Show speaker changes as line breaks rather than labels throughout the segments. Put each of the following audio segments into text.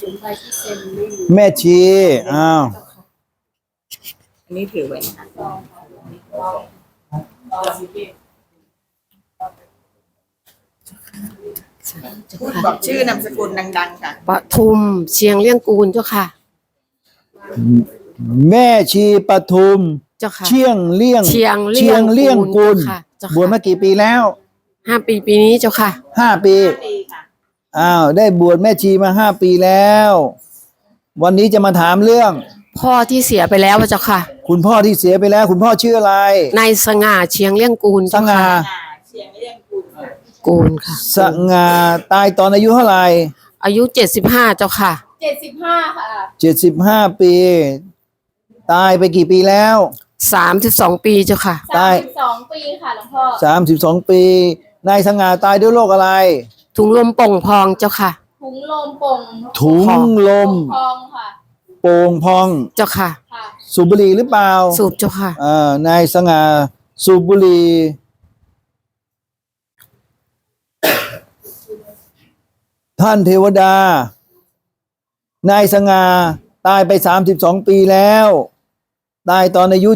ถึงใบที่เซ็นไม่อยู่
แม่ชีอ้าว
อันนี้ถือไว้นะคะพูดบอกชื่อนามสกุลดังๆค่ะ
ปทุมเชียงเลี่ยงกูลเจ้าค่ะ
แม่ชีปทุม
เจ้าค่ะ
เชียงเลี่ยง
เชียงเลี่ยง
กุล
ค่ะเจ้าค่ะ
บวชมากี่ปีแล้ว
5 ปีปีนี้เจ้าค่ะ
5 ปี
ดีค่ะ
อ้าวได้บวชแม่ชีมา5 ปีแล้ว วันนี้จะมาถามเรื่อง
พ่อที่เสียไปแล้วเจ้าค่ะ
คุณพ่อที่เสียไปแล้ว คุณพ่อชื่ออะไร
นายสง่าเชียงเลี่ยงกูล
ส
เจ้า
ง่า
ค่ะ
เชียงเรียงกุลค่ะ
กูลค่ะ
สง่าตายตอนอายุเท่าไหร่
อายุ75เจ้าค่ะ
75 ค่ะ
75 ปี ตายไปกี่ปีแล้ว
32 ปีเจ้าค่ะ
ตาย
32 ปีค่ะหลวงพ่อ
32 ปีนายสง่าตายด้วยโรคอะไร
ถุงลมโป่งพองเจ้าค่ะ
ถุงลมโป่ง
ถุงลม
พองค่ะ
โป่งพอง
เจ้าค่ะ
ค่ะ
สูบบุหรี่หรือเปล่า
สูบเจ้าค่ะ
นายสง่าสูบบุหรี่ท่านเทวดา นายสง่าตายไป32 ปีแล้ว ตายตอนอายุ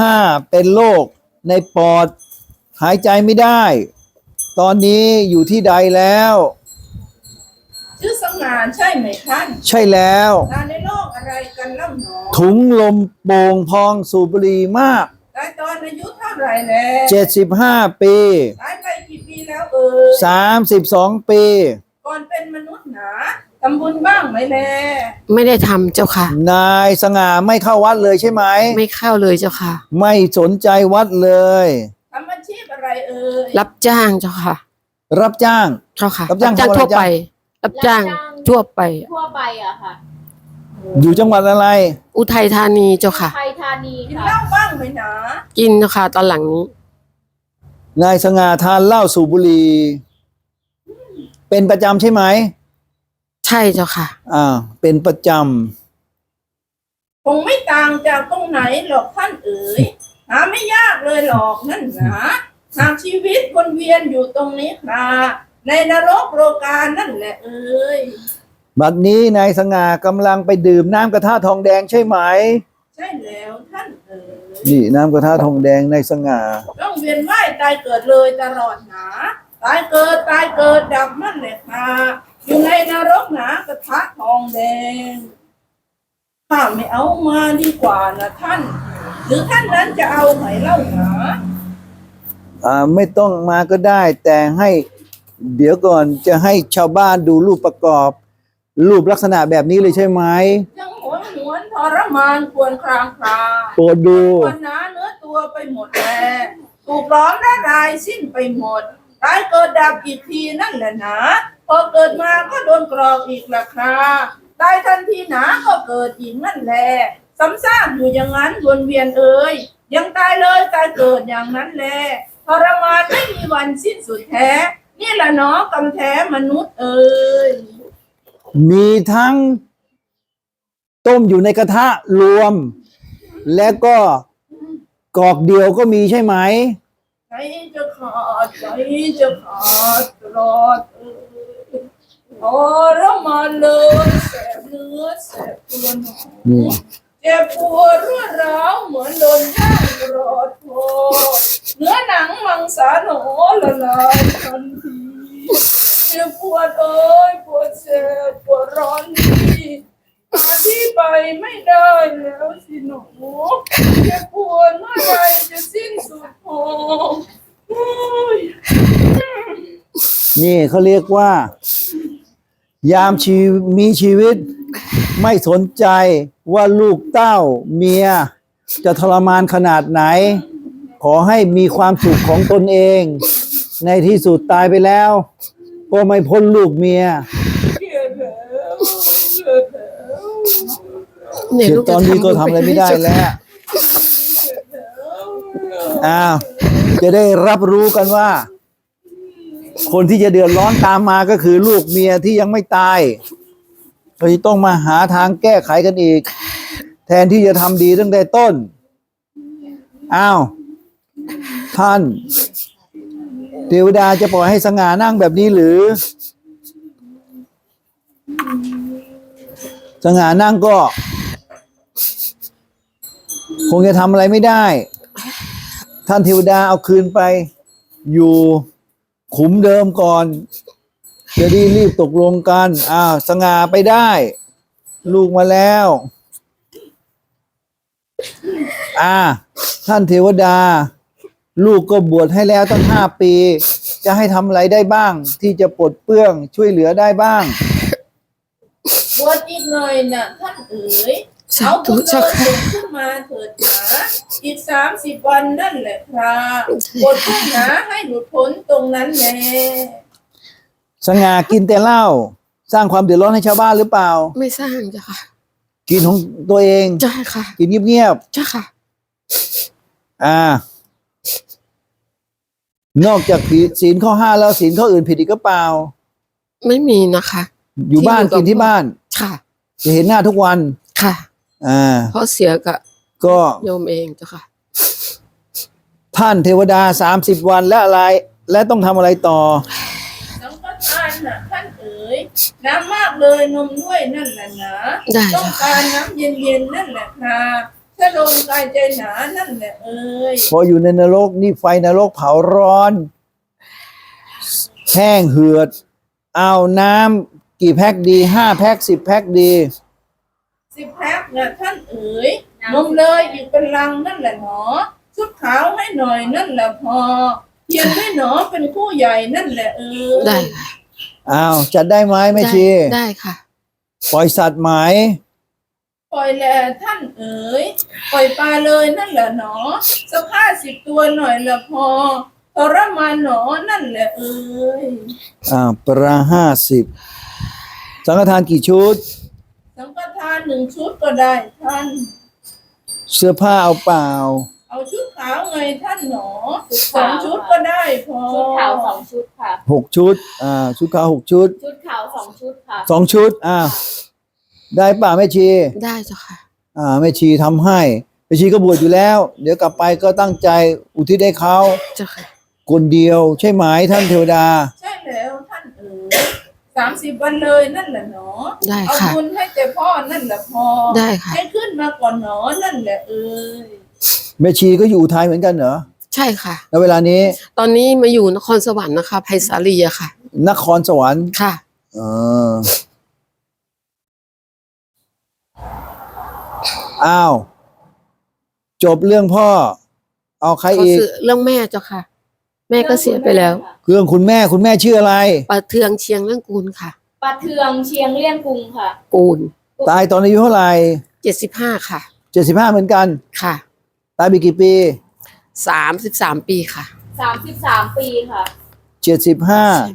75เป็นโรคในปอด หายใจไม่ได้ ตอนนี้อยู่ที่ใดแล้ว
ชื่อสง่าใช่ไหมท่าน
ใช่แล้ว
ตายในโลกอะไรกันเล่าหนอ
ถุงลมโป่งพองสูบบุหรี่มาก
ตายตอนอายุเท่าไหร่แล้ว
75 ปี
ตายไปกี่ปีแล้วเอ่ย
32 ปี
ก่อนเป็นมนุษย์หนาทำบุญบ้างไหมแล
ไม่ได้ทำเจ้าค่ะ
นายสง่าไม่เข้าวัดเลยใช่ไหม
ไม่เข้าเลยเจ้าค่ะ
ไม่สนใจวัดเลย
ทำอาชีพอะไรเอ่ย
รับจ้างเจ้าค่ะ
รับจ้าง
เจ้าค่ะ
รับจ้างทำอะไร
ทั่วไป รับจ้างทั่วไป
ทั่วไปอะค่ะ
อยู่จังหวัดอะไร
อุทัยธานีเจ้าค่ะ
ไทยธานี
กิน
ค่ะ
เหล้าบ้างไหมหนา
กินเจ้าค่ะตอนหลังนี้
นายสง่าทานเหล้าสูบบุหรี่เป็นประจำใช่ไหม
ใช่เจ้าค่ะ
เป็นประจ
คงไม่ต่างจากตรงไหนหรอกท่านเอ๋ยหาไม่ยากเลยหรอกนั่นหนาหากชีวิตวนเวียนอยู่ตรงนี้ครับในนรกโลกานั่นแหละเอ๋ย
ำบัดนี้นายสง่ากำลังไปดื่มน้ำกระทะทองแดงใช่ไหม
ใช่แล้วท่านเอ๋ย
นี่น้ำกระทะทองแดงนายสง่า
ต้องเวียนว่ายตายเกิดเลยตลอดหนาตายเกิดดับมั่นแหละค่ะอยู่ในนรกหนากระทะทองแดงข้าไม่เอามาดีกว่านะท่าน หรือท่านนั้นจะเอาไหมเล่าหนา
ไม่ต้องมาก็ได้ แต่ให้เดี๋ยวก่อนจะให้ชาวบ้านดูรูปประกอบ รูปลักษณะแบบนี้เลยใช่ไหม
ยังหวนหวนทรมานควรครางครา
โปรดดู
ควรหนาเนื้อตัวไปหมดแลถูกล้อมและลายสิ้นไปหมดตายเกิดดับอีกทีนั่นแหละหนาพอเกิดมาก็โดนกรอกอีกละคราตายทันทีหนาก็เกิดอีกนั่นแหละซ้ำซากอยู่อย่างนั้นวนเวียนเอ่ยยังตายเลยตายเกิดอย่างนั้นแหละทรมานไม่มีวันสิ้นสุดแท้นี่แหละเนาะกำแท้มนุษย์เอ่ย
มีทั้งต้มอยู่ในกระทะรวม และก็กอกเดียวก็มีใช่ไหม
ใจจะขาดใจจะขาดตลอดทรมานเลยแสบเนื้อแสบตัวหนอเจ็บปวดรวดร้าวเหมือนโดนย่างกรอดคอเนื้อหนังมังสาหนอละลายทันทีเจ็บปวดเอ้ยปวดแสบปวดร้อนนี่หาที่ไปไม่ได้แล้วสิหนูเจ็บปวดเมื่อไรจะสิ้นสุดพอโอ้ย
นี่เขาเรียกว่า ยามมีชีวิต ไม่สนใจว่าลูกเต้าเมีย จะทรมานขนาดไหน ขอให้มีความสุขของตนเอง ในที่สุดตายไปแล้ว ก็ไม่พ้นลูกเมีย
เกลียดแล้วเกลียดแล้ว
เนี่ยลูก
ตอนนี้ก็ทำอะไรไม่ได้แล้ว จะได้รับรู้กันว่า คนที่จะเดือดร้อนตามมาก็คือลูกเมียที่ยังไม่ตายเราจะต้องมาหาทางแก้ไขกันอีก แทนที่จะทำดีตั้งแต่ต้นท่านเทวดาจะปล่อยให้สง่านั่งแบบนี้หรือสง่านั่งก็ คงจะทำอะไรไม่ได้ ท่านเทวดาเอาคืนไป อยู่ขุมเดิมก่อน จะได้รีบตกลงกันสง่าไปได้ ลูกมาแล้ว ท่านเทวดา ลูกก็บวชให้แล้วตั้ง5 ปี จะให้ทำอะไรได้บ้าง ที่จะปลดเปลื้องช่วยเหลือได้บ้าง
บวชอีกหน่อยนะท่านเอ๋ย
สา
เอา
ธุ
บุญ
เจ้า
เลิศ
ค่ะ
ขึ้นมาเถิดหนาอีก30 วันนั่นแหละครับบวชขึ้นหนาให้หลุดพ้นตรงนั้นแหละ
สง่ากินแต่เหล้าสร้างความเดือดร้อนให้ชาวบ้านหรือเปล่า
ไม่สร้างเจ้าค่ะ
กินของตัวเอง
ใช่ค่ะ
กินเงียบ
เจ้าค่ะ
นอกจากผิดศีลข้อ 5แล้วศีลข้ออื่นผิดอีกก็เปล่า
ไม่มีนะคะ
อยู่บ้านกินที่บ้าน
ค่ะ
จะเห็นหน้าทุกวัน
ค่ะ เพราะเสียกับ
ก็
โยมเองเจ้าค่ะ
ท่านเทวดา30 วันและอะไร และต้องทำอะไรต่อ
สังฆทานน่ะท่านเอ๋ยน้ำมากเลยนมด้วยนั่นแหละนะ
ได้
ต้องการน้ำเย็นๆนั่นแหละครับถ้าลมกายใจหนานั่นแหละเอ๋ย
พออยู่ในนรกนี่ไฟนรกเผาร้อน แห้งเหือด เอาน้ำกี่แพ็คดี5 แพ็ค10 แพ็คดี
10 แพ็คนะท่านเอ๋ยนมเลยอีกเป็นลังนั่นแหละหนอชุดขาวให้หน่อยนั่นแหละพอเทียนให้หนอเป็นคู่ใหญ่นั่นแหละเอ๋ย
ได้ค่ะ
จัดได้ไหมแม่ชี
ได้ค่ะ
ปล่อยสัตว์ไหม
ปล่อยแหละท่านเอ๋ยปล่อยปลาเลยนั่นแหละหนอสัก50 ตัวหน่อยละพอทรมานหนอนั่นแหละเอ๋ย
ประ50สังฆทานกี่ชุด
สังฆทาน1 ชุดก็ได้ท่าน
เสื้อผ้าเอาเปล่า
เอาชุดขาวไงท่านหนอ2 ชุดก็ได้พอ
ชุดขาว2 ชุดค่ะ
6 ชุดชุดขาว6 ชุด
ชุดขาว2 ชุดค่ะ
2 ชุดได้ป่ะแม่ชี
ได้เจ้าค่ะ
แม่ชีทำให้แม่ชีก็บวชอยู่แล้ว เดี๋ยวกลับไปก็ตั้งใจอุทิศให้เขา
เจ้าค่ะ
คนเดียวใช่ไหมท่านเทวดา
ใช่แล้วท่านเอ๋ย30 วันเลยนั่นแหละหนอ
ได้
เอา
ค่ะ
บุญให้แต่พ่อนั่นแหละพอ
ได้ค่ะ
ให้ขึ้นมาก่อนหนอนั่นแหละเอ๋ย
แม่ชีก็อยู่อุทัยเหมือนกันเหรอ
ใช่ค่ะ
แล้วเวลานี้
ตอนนี้มาอยู่นครสวรรค์นะคะไผ่สาลีอะค่ะ
นครสวรรค์
ค่ะ
จบเรื่องพ่อ เอาใคร
เขา
อีก
ซื้อเรื่องแม่เจ้าค่ะ แม่ก็เสียไปแล้ว
เรื่องคุณแม่ชื่ออะไร
ปลาเทืองเชียงเรื่องกูลค่ะ
ปลาเทืองเชียงเลี่ยงกรุงค่ะ
กูล
ตายตอนอายุเท่าไหร่
75ค่ะ
75เหมือนกัน
ค่ะ
ตายไปกี่ปี
33 ปีค่ะ
33 ปีค่ะ
ใช่ไหม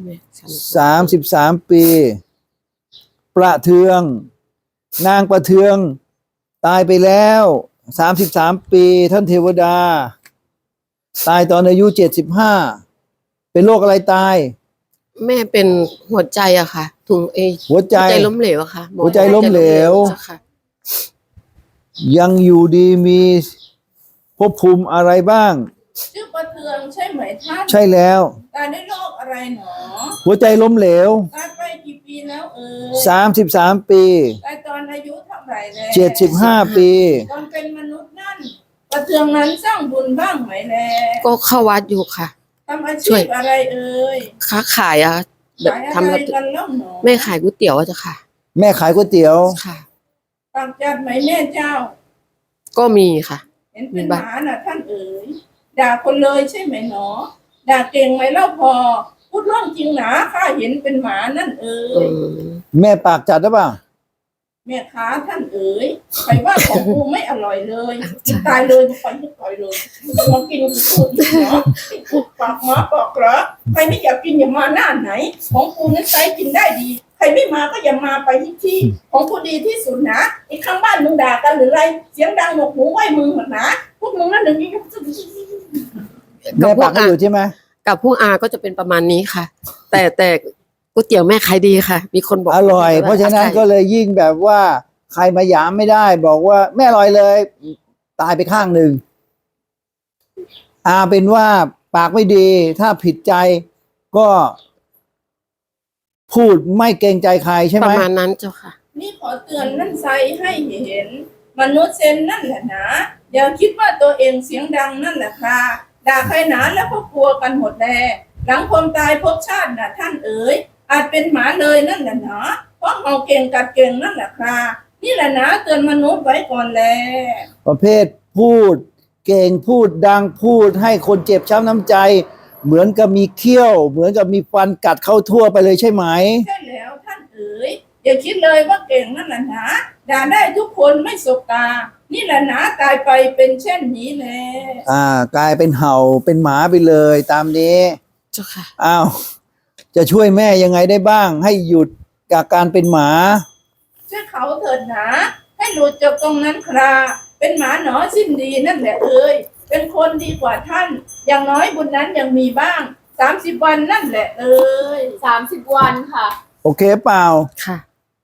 33 ปี ประเทือง นางประเทือง ตายไปแล้ว33 ปีท่านเทวดา ตายตอนอายุ75เป็นโรคอะไรตาย
แม่เป็นหัวใจอะค่ะ ถุง
หัวใจ
ล้มเหลวอะค่ะหมอ
หัวใจล้มเหลว
เจ้าค่ะ
ยังอยู่ดีมีภพภูมิอะไรบ้าง
ชื่อประเทืองใช่ไหมท่าน
ใช่แล้ว
ตายด้วยโรคอะไรหนอ
หัวใจล้มเหลว
ตายไปกี่ปีแล้วเอ๋ย
33 ปี
ตายตอนอายุเท่าไหร่แล้ว
75 ปี
ตอนเป็นมนุษย์นั่นประเทืองนั้นสร้างบุญบ้างไหมแล
ก็เข้าวัดอยู่ค่ะ
ทำอา
ช่
ชี
วย
พอะไรเอ่ย
ค้าขายอะแบบ
ขาย
ทำ
อะไร
แล้ว
กันเล่าหนอ
แม่ขายก๋วยเตี๋ยวอะเจ้าค่ะ
แม่ขายก๋วยเตี๋ยว
ค่ะ
ปากจัดไหมแม่เจ้า
ก็มีค่ะ
เห็นเป็นหมาน่ะท่านเอ๋ยด่าคนเลยใช่ไหมหนอด่าเก่งไหมเล่าพอ พูดเรื่องจริงหนาข้าเห็นเป็นหมานั่นเอ๋ย
แม่ปากจัดหรือเปล่า
แม่ค้าท่านเอ๋ยใครว่าของกูไม่อร่อยเลยกินตายเลยไปไม่ปล่อยเลยมากินกูพูดเนาะปากหมาปากเหรอใครไม่อยากกินอย่ามาหน้าไหน ของกูนั้นใช้กินได้ดี ใครไม่มาก็อย่ามาไปที่ของกูดีที่สุดนะไอ้ข้างบ้านมึงด่ากันหรือไรเสียงดังหนวกหูไหวมึงหมดนะพวกมึงนั่นหนึ่งนี่
แม่ปากก็อยู่ใช่ไหม
กับพวกอาก็จะเป็นประมาณนี้ค่ะ แต่ก๋วยเตี๋ยวแม่ขายดีค่ะ มีคนบอก
อร่อย เพราะฉะนั้นก็เลยยิ่งแบบว่า ใครมาหยามไม่ได้ บอกว่าแม่อร่อยเลย ตายไปข้างหนึ่งเป็นว่าปากไม่ดี ถ้าผิดใจก็ พูดไม่เกรงใจใครใช่ไห
ป
ม
ระมาณนั้นเจ้าค่ะ
นี่ขอเตือนนั่นใสให้เห็น มนุษย์เซนนั่นแหละนะอย่าคิดว่าตัวเองเสียงดังนั่นแหละค่ะด่าใครหนาแล้วก็กลัวกันหมดแลหลังความตายภพชาติน่ะท่านเอ๋ยอาจเป็นหมาเลยนั่นแหละนะเพราะเมาเก่งกัดเก่งนั่นแหละค่ะนี่แหละนะเตือนมนุษย์ไว้ก่อนแล
ประเภทพูดเก่งพูดดังพูดให้คนเจ็บช้ำน้ำใจ เหมือนกับมีเขี้ยว เหมือนกับมีฟันกัดเข้าทั่วไปเลยใช่ไหม
ใช่แล้วท่านเอ๋ยอย่าคิดเลยว่าเก่งนั่นแหละนะด่าได้ทุกคนไม่สบตานี่แหละนะตายไปเป็นเช่นนี้แหละ
กลายเป็นเห่าเป็นหมาไปเลยตามนี้
เจ้าค่ะ
อ้าวจะช่วยแม่ยังไงได้บ้าง ให้หยุดจากการเป็นหมา
ช่วยเขาเถิดนะให้หลุดจากตรงนั้นคราเป็นหมาหนอสิ้นดีนั่นแหละเอ๋ยเป็นคนดีกว่าท่าน อย่างน้อยบุญนั้นยังมีบ้าง30 วันนั่นแหละเอ๋ย
30 วันค่ะ
โอเคเปล่า
ค่ะ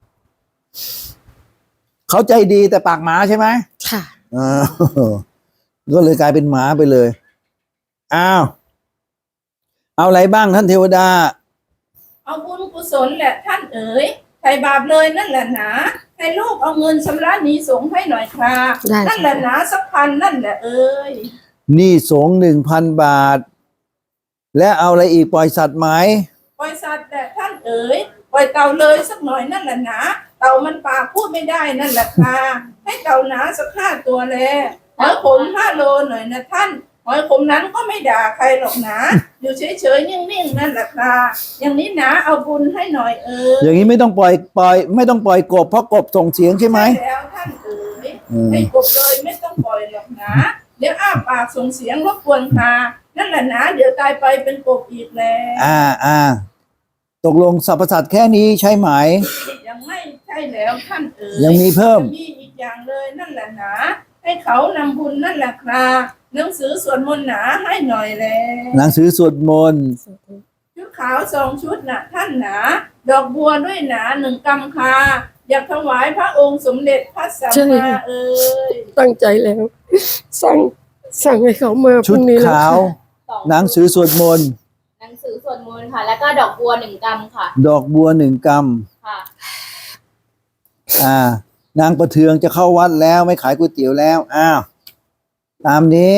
เขาใจดีแต่ปากหมาใช่ไหม
ค่ะ
อ่า ก็เลยกลายเป็นหมาไปเลยอ้าวเอาอะไรบ้างท่านเทวดา
เอาบุญกุศลแหละท่านเอ๋ยไถ่บาปเลยนั่นแหละนะให้ลูกเอาเงินชำระหนี้สงฆ์ให้หน่อยค่ะ
ได้
นั่นแหละนะสักพันนั่นแหละเอ๋ย
หนี้สงฆ์1,000 บาท และเอาอะไรอีกปล่อยสัตว์ไหม
ปล่อยสัตว์แหละท่านเอ๋ยปล่อยเต่าเลยสักหน่อยนั่นแหละนะเต่ามันปากพูดไม่ได้นั่นแหละค่ะให้เต่าหนาสัก5 ตัวแลหอยขม5 โลหน่อยนะท่านหอยขมนั้นก็ไม่ด่าใครหรอกนะอยู่เฉยๆนิ่งๆนั่นแหละค่ะอย่างนี้นะเอาบุญให้หน่อยเอ๋ย
อย่างนี้ไม่ต้องปล่อยไม่ต้องปล่อยกบเพราะกบส่งเสียงใช่ไหม
ใช่แล้วท่านเอ๋ย
อืม
ให้กบเลยไม่ต้องปล่อยหรอกนะเดี๋ยวอ้าปากส่งเสียงรบกวนค่ะนั่นแหละนะเดี๋ยวตายไปเป็นกบอีกแล้ว
ตกลงสรรพสัตว์แค่นี้ใช่ไหม
ยังไม่ใช่แล้วท่านเอ๋ย
ยังมีเพิ่ม
มีอีกอย่างเลยนั่นแหละนะให้เขานำบุญนั่นแหละครับหนังสือสวดมนต์หนาให้หน่อยแล
หนังสือสวดมนต์
ชุดขาว2 ชุดนะท่านหนาดอกบัวด้วยหนา1 กำคาอยากถวายพระองค์สมเด็จพระสัมมาเอ๋ย
ตั้งใจแล้ว สั่งให้เขามาพ
ชุ
รุ่
ด
งนี้แล้ว
ขาว
ค่ะ
2
หนังสือสวดมนต์
หนังสือสวดมนต์ค่ะ แล้วก็ดอกบัว1 กำค่ะ
ดอกบัว1 ก
ค่ะ
ำนางประเทืองจะเข้าวัดแล้วไม่ขายก๋วยเตี๋ยวแล้วอ้าวตามนี้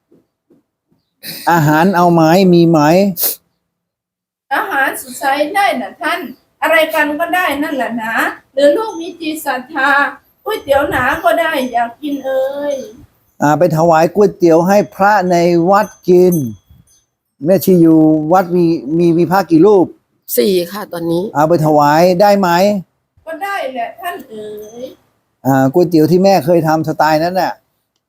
อาหารเอาไหมมีไหม
อาหารสุดใจได้นะท่าน อะไรกันก็ได้นั่นแหละนะหรือลูกมีจิตศรัทธาก๋วยเตี๋ยวหนาก็ได้อยากกินเอ่ย
ไปถวายก๋วยเตี๋ยวให้พระในวัดกิน แม่ชีอยู่วัดมีพระกี่รูป
4 ค่ะ ตอนนี้
เอาไปถวายได้ไหม
ก็ได้แหละท่านเอ๋ย
ก๋วยเตี๋ยวที่แม่เคยทำสไตล์นั้นน่ะ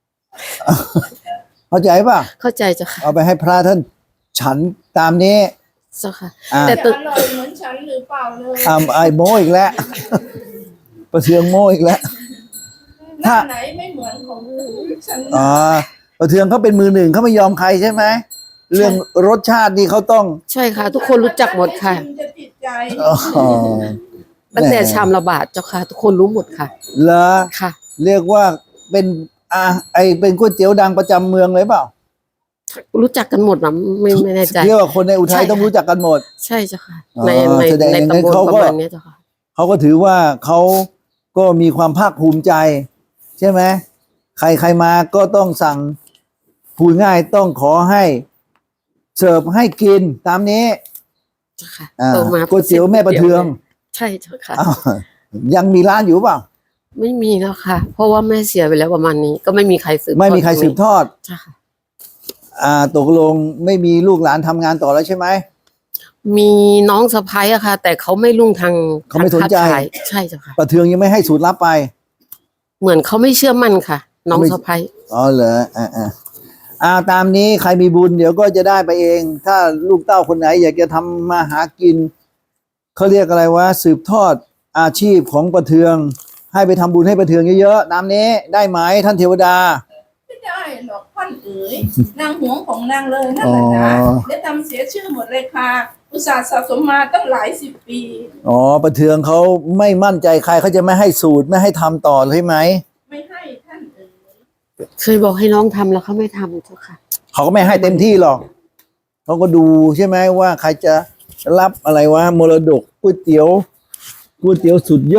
เข้าใจป่ะ
เข้าใจเจ้าค่ะ
เอาไปให้พระท่านฉันตามนี้
เจ้าค่ะ
แต่
แต่
อร่อยเหมือนฉันหรือเปล่าเลย
ไอโมอีกแล้ว ประเทืองโมอีกแล้ว
หน้าไหนไม่เหมือนของฉัน
ประเทืองเขาเป็นมือ 1เขาไม่ยอมใครใช่ไหมเรื่องรสชาตินี่เขาต้อง
ใช่ค่ะ ทุกคนรู้จักหมดค่ะ
จะติดใจ
ตั้งแต่ชามละบาทเจ้าค่ะ ทุกคนรู้หมดค่ะ
เหรอ
ค่ะ
เรียกว่าเป็นเป็นก๋วยเตี๋ยวดังประจำเมืองเลยเปล่า
รู้จักกันหมดนะไม่แน่ใจ
เรียกว่าคนในอุทัย
ใช่ค่ะ
ต้องรู้จักกันหมด
ใช่เจ้าค่ะ
อ๋อ
ใน
แสดง
ใน
อย่างนั้น
ตำบล
เขา
ป
ก็
ระมาณเนี้ยเจ้าค่ะ
เขาก็ถือว่าเขาก็มีความภาคภูมิใจ ใช่ไหมใครมาก็ต้องสั่งพูดง่ายต้องขอให้เสิร์ฟให้กินตามนี้
เจ้าค่ะ
อ่า
โตมา
ก๋วยเตี๋ยวแม่ประเทือง
ใช่เจ้าค่ะ
อ้าวยังมีร้านอยู่เปล่า
ไม่มีแล้วค่ะ เพราะว่าแม่เสียไปแล้วประมาณนี้ ก็ไม่มีใครสืบ
ไม่มีใครสืบทอด
ใช่ค่ะ
ตกลงไม่มีลูกหลานทำงานต่อแล้วใช่ไหม
มีน้องสะพ้ายอะค่ะ แต่เขาไม่รุ่งทาง
เขาไม่สนใจ
ค้าขายใช่เจ้าค่ะ
ประเทืองยังไม่ให้สูตรลับไป
เหมือนเขาไม่เชื่อมั่นค่ะ น้องสะพ้าย
อ๋อเหรอตามนี้ใครมีบุญเดี๋ยวก็จะได้ไปเอง ถ้าลูกเต้าคนไหนอยากจะทำมาหากินเขาเรียกอะไรวะสืบทอดอาชีพของประเทือง ให้ไปทำบุญให้ประเทืองเยอะๆตามนี้ได้ไหมท่านเทวดา
ไม่ได้หรอกท่านเอ๋ยนางหวงของนางเลยนั่นแหละนะ
อ๋อ
ได้ทำเสียชื่อหมดเลยค่ะ อุตส่าห์สะสมมาตั้งหลาย10 ปี
ประเทืองเขาไม่มั่นใจใครเขาจะไม่ให้สูตรไม่ให้ทำต่อใช่ไหม
ไม่ให้ท่านเอ๋ย
เคยบอกให้น้องทำแล้วเขาไม่ทำเจ้าค่ะ
เขาก็ไม่ให้เต็มที่หรอกเขาก็ดูใช่ไหมว่าใครจะรับอะไรวะมรดกก๋วยเตี๋ยวสุดยอด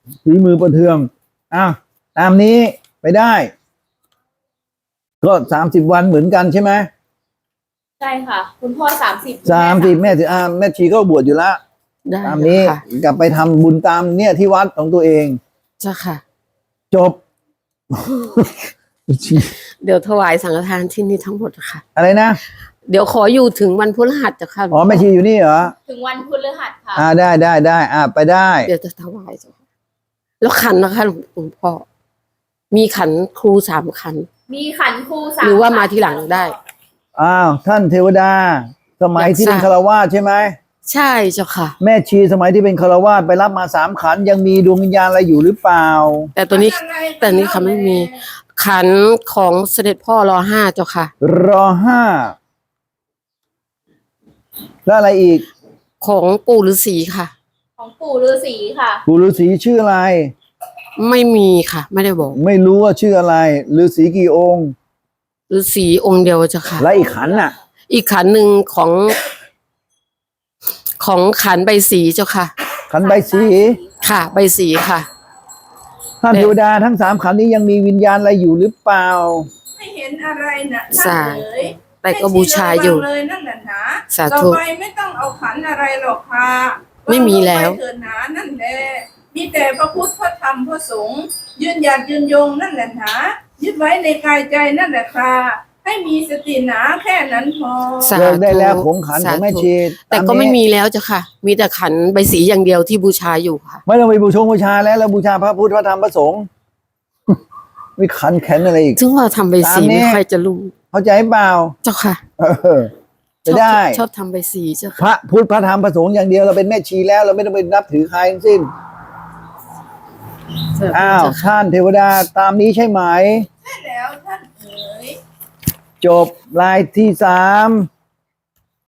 ฝีมือประเทืองอ้าวตามนี้ไปได้ ก็30 วันเหมือนกันใช่ไหม
ใช่ค่ะ คุณพ่อ30
30แม่แม่ชีก็บวชอยู่แล้ว
ได้
ตามนี้
ค่ะ
กลับไปทำบุญตามเนี่ยที่วัดของตัวเอง
เจ้าค่ะ
จบ
เดี๋ยวถวายสังฆทานที่นี่ทั้งหมดค่ะ
อะไรนะ
เดี๋ยวขออยู่ถึงวันพฤหัสเจ้าค่ะ
อ๋อแม่ชีอยู่นี่เหรอ
ถึงวันพฤหัสค่ะ
ได้ไปได้
เดี๋ยวจะถวายเจ้าค่ะแล้วขันนะคะหลวงพ่อมีขันครู3 ขัน
มีขันครู3
หรือว่ามาทีหลังได้
อ้าวท่านเทวดา สมัยที่เป็น
อยากทราบ
ฆราวาสใช่ไหม
ใช่เจ้าค่ะ
แม่ชีสมัยที่เป็นฆราวาสไปรับมา3 ขันยังมีดวงวิญญาณอะไรอยู่หรือเปล่า
แต่ตัวนี้แต่นี้ค่ะไม่มีขันของเสด็จพ่อร.5เจ้าค่ะ
ร5แล้วอะไรอีก
ของปู่ฤาษีค่ะ
ของปู่ฤาษีค่ะ
ปู่ฤาษีชื่ออะไร
ไม่มีค่ะ ไม่ได้บอก
ไม่รู้ว่าชื่ออะไรฤาษีกี่องค์
ฤาษีองค์เดียวเจ้าค่ะ
และอีกขันน่ะ
อีกขันหนึ่งของขันใบสีเจ้าค่ะ
ขันใบสี
ค่ะ ใบสีค่ะ
ท่านเทวดาทั้ง3 ขันนี้ยังมีวิญญาณอะไรอยู่หรือเปล่า
ไม่เห็นอะไรนะท่า
สาน
เอ๋ย
แต่ก็บูชาอยู่
ให้ชี้ระวังเลยนั่นแหละนะ
สาธุ
ต่อไปไม่ต้องเอาขันอะไรหรอกค่ะ
ไม่มีแล้ว
างลงไปเถิดหนานั่นแหละมีแต่พระพุทธพระธรรมพระสงฆ์ยืนหยัดยืนยงนั่นแหละนะยึดไว้ในกายใจนั่นแหละค่ะให้มีสติหนาแค่นั้นพอ
สา
เลิกได้แล้ว
ธุ
ผงขันของแม่
สาธุ
ชี
แต่ก็ไม่มีแล้วเจ้าค่ะ มีแต่ขันใบสีอย่างเดียวที่บูชาอยู่ค่ะ
ไม่ต้องไปบูชาแล้วบูชาพระพุทธพระธรรมพระสงฆ์ มีขันแขนอะไรอีก
ซึ่งว่าทำใบสี
ตามนี้
ไม่ค่อยจะรู้
เข้าใจเปล่า
เจ้าค่ะ
เออจะได้
ชอบทำใบสีเจ้า
พ
ค่ะ
ระพุทธพระธรรมพระสงฆ์อย่างเดียวเราเป็นแม่ชีแล้วเราไม่ต้องไปนับถือใครทั้งสิ้นอ้าว
เจ้าค่ะ
ท่านเทวดาตามนี้ใช่ไหม
ใช่แล้วท่านเอ๋ย
จบรายที่3